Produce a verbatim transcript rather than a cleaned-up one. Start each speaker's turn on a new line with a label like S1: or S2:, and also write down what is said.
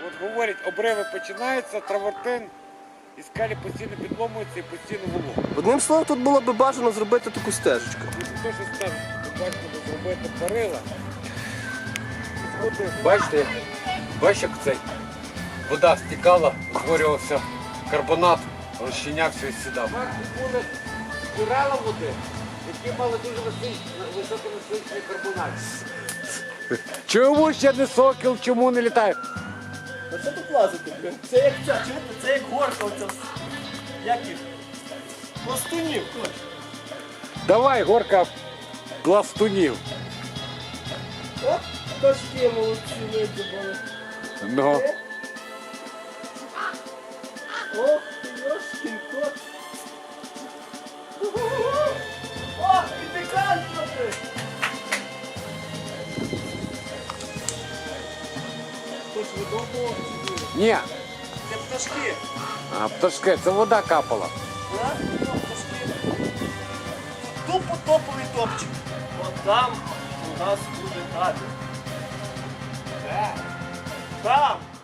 S1: от говорять, обриви починаються, травертин, і скелі постійно підломуються і постійно волога.
S2: Одним словом, тут було б бажано зробити таку стежечку.
S1: І те, що стане, бачите, зробити перила.
S3: Бачите, бачите, як цей вода стікала, утворювався карбонат, розчинявся і сідав.
S1: Були джерела води, які мали дуже високонасичний карбонат. Чому ще не сокіл, чому не літає?
S2: А що тут лазити, блін? Це як ця, чуєте? Це як горка оця. Як їх? Пластунів, точно.
S1: Давай, горка пластунів.
S2: От пташки молодці видібали.
S1: Ну.
S2: Ох, йошкін кот. Ох, і пікантно ти! Хтось видовбував ці дури.
S1: Ні,
S2: Це пташки.
S1: а пташки, це вода капала.
S2: Так? Ну, пташки. Тупо топовий топчик. От там у нас буде табір. Де? Там!